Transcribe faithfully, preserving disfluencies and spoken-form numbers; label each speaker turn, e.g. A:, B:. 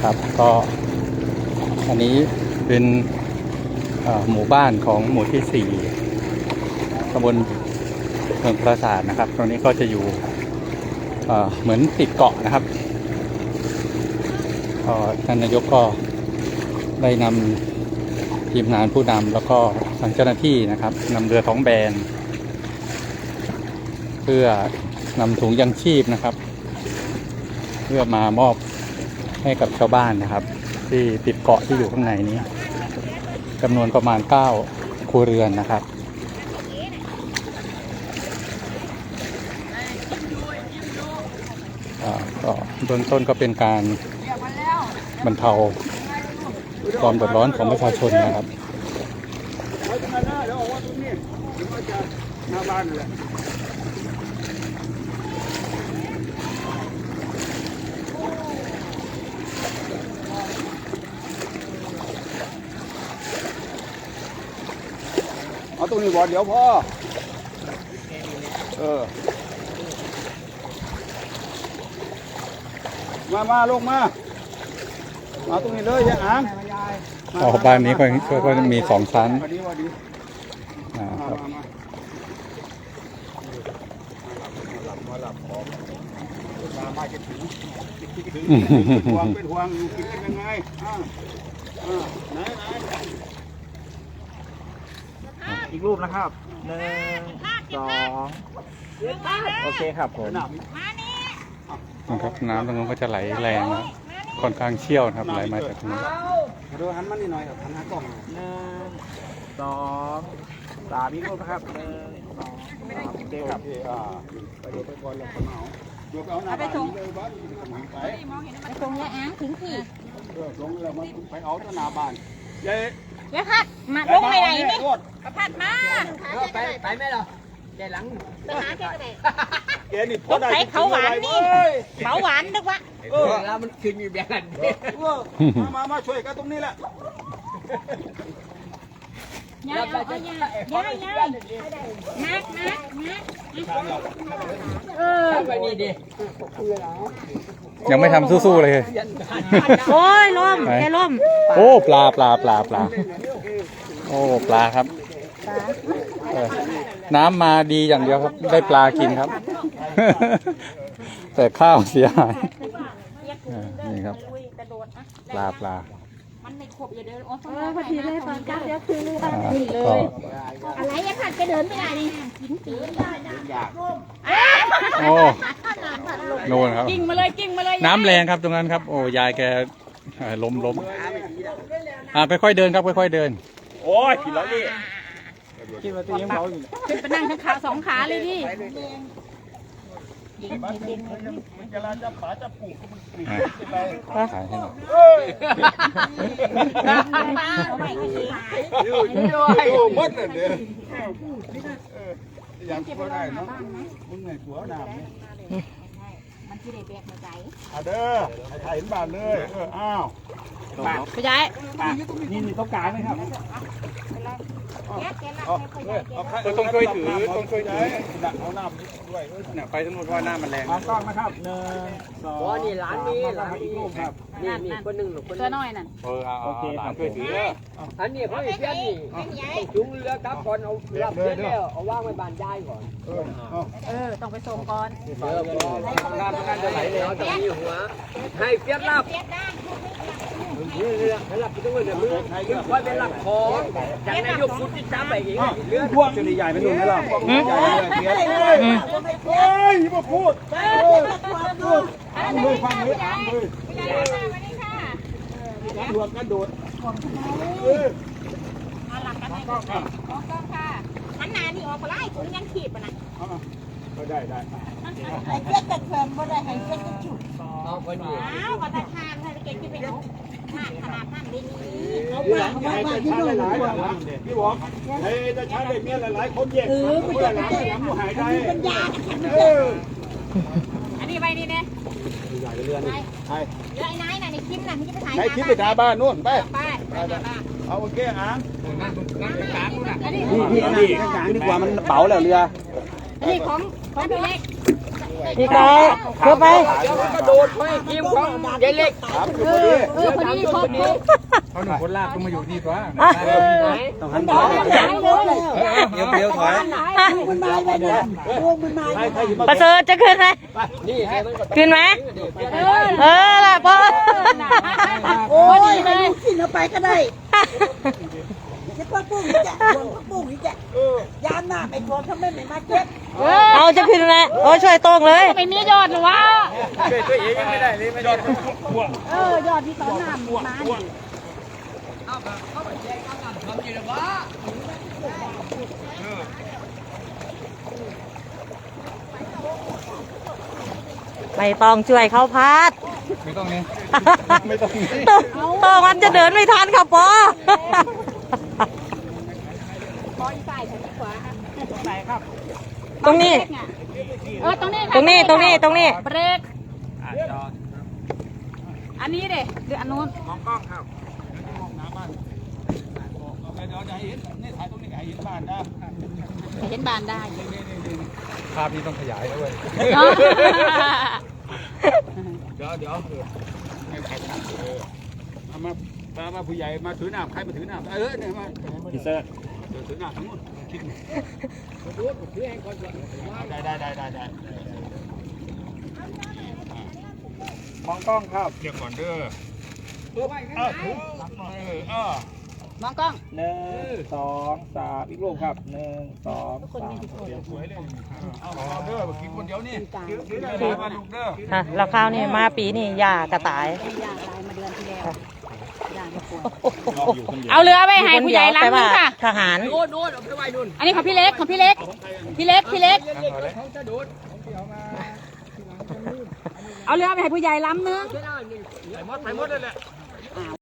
A: นะครับก็อันนี้เป็นหมู่บ้านของหมู่ที่สี่ตำบลเมืองปราสาทนะครับตรงนี้ก็จะอยู่เหมือนติดเกาะนะครับท่านนายกก็ได้นำทีมงานผู้นำแล้วก็ทางเจ้าหน้าที่นะครับนำเรือท้องแบนเพื่อนำถุงยังชีพนะครับเพื่อมามอบให้กับชาวบ้านนะครับที่ติดเกาะที่อยู่ข้างในนี้จำนวนประมาณเก้าครัวเรือนนะครับก็เบื้องต้นก็เป็นการบรรเทาความเดือดร้อนของประชาชนนะครับ
B: เอาตรงนี้บ่เดี๋ยวพ่อเออมามาลงมามาตรงนี้เลยอย่าอ่าง
A: อ๋อบ้านนี้ก็ก็มีสองชั้นอ่าครับ
B: มาหลับของมามาจะถึงเป็นห่วงเป็นห่วงอยู่กินกันยังไงอ่าอ่าไหนไหน
C: อีกรูปนะครับหนึ่งสองโอเคครับผม
A: นะครับน้ำตรงนู้นก็จะไหลแรงนะค่อนข้างเชี่ยวนะครับไหลมาจากตรงนี้
B: ดูหันมันนิดหน่อยครับหันหากล้อง
C: หนึ่งสองสามอีกรูปนะครับหนึ่งสองสามโอเคครับ
B: อ่าไปดูไปก่อนแล้วคนเอาดูไปเอาหน้าบ้านเลยบ้านไป
D: ไปตรงยาอ้างถึงที่
B: เออลงแล้วมันไปเอาที่หน้าบ้านเย้
D: ยาพัดมาลงไปไหนนี่พัดมา
C: ไปไปไหมเหรอเดี๋ยวหลัง
D: ไปหาแกก็ได้
B: แกนี่พ
D: อได้เขาหวานนี่เขาหวานนึกว่า
C: เออแล้วมันคืนอยู่แบบนั้น
B: มามามาช่วยกันตรงนี้แหละ
D: ยายเอายายยายยายนักนักนักเออ
C: ไปนี่ดิ
A: ยังไม่ทำสู้ๆเลย
D: โอ้ยล่มแกล่ม
A: โอ้ปลาปลาปลาปลาโอ้ปลาครับน้ำมาดีอย่างเดียวครับได้ปลากินครับแต่ข้าวเสียหายนี่ครับปลาปลา
D: มันไม่ครบอย่าเดินโอ้พอดีเลยตอนก้าวเดียวคือเลยอะไรยังขัดจะเดินไม่ได้นี่กินปีนได้
A: โอ้โน่นครับ
D: กิ้งมาเลยกิ้งมาเลย
A: น้ำแรงครับตรงนั้นครับโอ้ยายแกล้มล้มอ่าค่อยๆเดินครับค่อยๆเดิน
B: โอ้ยผิดแล้วนี่
C: คิดว่าตัวยังเบาอยู่
D: ขึ้นไปนั่งทั้งขาสองขาเลยดิ
B: มันจะลาจับขาจับปูมันปรีดไป
A: ถ่ายให้หน่อย
B: อยู่อยู่มัดเลยเด้อยังพอได้เนาะมึงไงหัวหนาม
D: มันที่ได้แบกมาใจ
B: อ่ะเด้อให้ถ่ายเห็นบ้านเลยเอออ้าว
D: ไปย้าย
C: นี่นี่ต้องการไหมครับ
A: ต้องช่วยถือต้องช่วยถือ
B: ดักเอาน้ำด้วย
A: เนี่ยไปทั้งหมดว่าน้ำมันแรง
C: มองกล้องนะครับหนึ่งสอง
E: นี่ร้านนี้ร้านนี้ครับนี่นี่คนหนึ่งหรือคน
D: ตัวน้อยนั่น
A: เออโอเคครับช่วยถือ
E: อันนี้เขาเพื่อนนี่ต้องจุงเรือกับก่อนเอารับเสร็จแล้วเอาว่างไว้บานย้ายก่อน
B: เออ
D: เออต้องไปส่งก่อน
E: เออน้ำมันจะไหลแล้วจะมีหัวให้เฟียดรับนี่เรือให้รับไปด้วยเรือมือค่อยเป็นหลักของจากนายกพุทธิจ้าไปเอง
B: เรือพวกจะใหญ่เป็นหนุ่มไหมล่ะใหญ่เกียร์เฮ้ยมาพูดพูดฟังเลยฟังเลยฟังเลยกระโดดกระโดด
D: มาหลักกันเลยมองกล้องค่ะหันหน้านี่ออกมาไล่ถุงยังขีดป่ะนะ
B: ก็ได้ได้
D: ไอ้เพื่อนแต่เพิ่มก็ได้ให้เพื่อนจะฉุด
E: เอาไปนี่
D: อ้าวก็แต่ทานให้เก่งที่ไปลุกมากขนาดนั้นได้นี่
B: เขาไปหลายๆหลายๆพี่บอกเฮ้ยจะใช้เด็กเนี่ยหลายๆคนแยกคนหลายๆอย่างผู้หายได้
D: ปัญญาอันนี้ไปนี่เนี่ย
B: ใหญ่เรือน
D: ไอ้เรือไอ้นายน่ะในคลิปน่ะที่ไปถ่าย
B: ในคลิปไปถ่ายบ้านนู่นไป
D: ไปไป
B: เอาโอเคอ่าง
C: นั่งนั่งกลางนู่นน่ะ
B: นี่นี่นี่กลางดีกว่ามันเป๋าแล้วเรือ
D: อันนี้ของของพี่เล็ก
F: พี่ไก่เพื่อไป
E: เดี๋ยวมันก็โดดไปยิ้มของยายเล็ก
D: เออเออพอดีครบครบ
C: เขาหนุ่มคนลากต้องมาอยู่นี่กว่า
D: ต้องหันซ้ายเลย
C: เดี๋ยวเดี๋ยวถอย
D: มันมาไปเนี่ยพวกมันมา
F: ประเสริฐจะขึ้นไหม
E: นี่ไงมันก็
F: ขึ้นไหมเออล่ะพ่อ
D: โอ้ยไปกินเอาไปก็ได้จะปักปุ้งนี่จ้ะรวมปักปุ้งนี่จ้ะยามหน้าไปรวมทำไมไม่มาเก็บ
F: เอาจะขึ้นไหมโอ้ช่วยโต้งเลย
D: ไม่มียอดหรอวะ
C: ช่วยตัวเองยังไม่ได้เลยไม่ยอด
D: เออยอดที่ตอนหน้ามีมา
F: ไม่ต้องช่วยเขาพัด
C: ไม่ต้องนี่ไม่ต้องนี่
F: โต้งโต้งมันจะเดินไม่ทันค่ะปอ
D: คอยใส่ถึงขวา
F: ตรงนี้
D: เออตรงนี้
F: ตรงนี้ตรงนี้ตรงนี้
D: เบรกอันนี้เด้หรืออันนู้น
C: มองกล้องครับมองหน้าบ้านเดี๋ยวจะให้เห็นนี่ถ่ายตรงนี้ให้เห็นบ้านนะ
D: เห็นบานได้
C: ภาพนี้ต้องขยายด้วย
D: เนาะ
B: เดี๋ยวเดี๋ยวให้ใครทำเออเอามามามาผู้ใหญ่มาถือน้ำใครมาถือน้ำเออเนี่ยมา
C: พี่เซอร์
B: เดี๋ยวถือน้ำทั้งหมดคิดได้ได้ได้ได้ได้
C: มองกล้องครับ
B: เรียกก่อนเด้อเออเออเออ
D: มองกล้อง
C: หนึ่งสองสามอีกรูปครับหนึ่งสองสาม
B: สวยเลยเอาเอาเด้อกินคนเดียวนี่ถือได้เลยมาลูกเด้อ
F: อ่ะแล้วข้าวนี่มาปีนี่ยากระต่าย
D: ยาตายมาเดือนที่แล้วยาไม่ป่วย
B: อยู่คนเดียว
D: เอาเรือไปให้ผู้ใหญ่ล้างนึงค่ะ
F: ทหาร
E: โน่นโน่นเอาไปไว้นู่น
D: อันนี้ของพี่เล็กของพี่เล็ก พี่เล็กพี่เล็ก
E: เขาจะโดด
D: เอาเรือไปให้ผู้ใหญ่ล้ำนึง
E: ไม่ได้นี่
B: ใส่มดใส่มดเลยแหละ